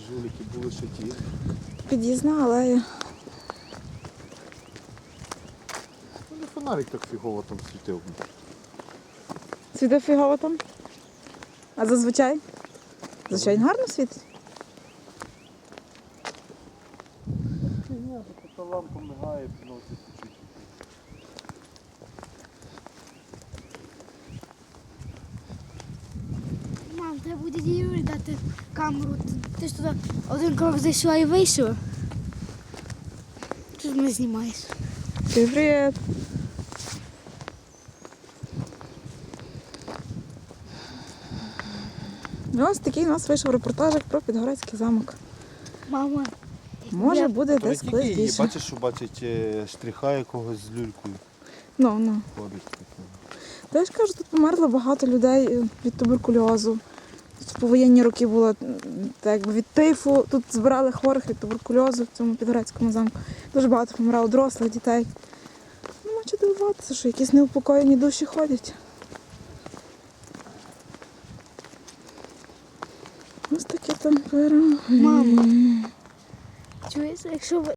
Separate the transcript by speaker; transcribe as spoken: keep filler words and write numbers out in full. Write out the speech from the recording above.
Speaker 1: жулики були ще ті.
Speaker 2: Під'їзна алея.
Speaker 1: Ну, не фонарик так фігово там світив.
Speaker 2: Світить фігово там? А зазвичай? Зазвичай гарно світить?
Speaker 1: Ні, така лампа мигає, приносить чуть-чуть.
Speaker 3: Мам, треба буде Юрі дати камеру. Ти ж туди один крок зайшла і вийшла. Що ж мене знімаєш?
Speaker 2: Привіт! Ось такий у нас вийшов репортажик про Підгорецький замок.
Speaker 3: Мама.
Speaker 2: Може
Speaker 3: Я-
Speaker 2: буде
Speaker 1: То не
Speaker 2: десь
Speaker 1: тільки
Speaker 2: колись
Speaker 1: її,
Speaker 2: більше.
Speaker 1: бачиш, що бачить е, штриха якогось з люлькою
Speaker 2: Ну, ну.
Speaker 1: ходить. такого.
Speaker 2: Та я ж кажу, тут померло багато людей е, від туберкульозу. Тут повоєнні роки було м, так, якби від тифу. Тут збирали хворих від туберкульозу в цьому Підгорецькому замку. Дуже багато помирало дорослих дітей. Нема чого дивуватися, що якісь неупокоєні душі ходять. Ось такі там пироги.
Speaker 3: Мама. Чуєш, якщо ви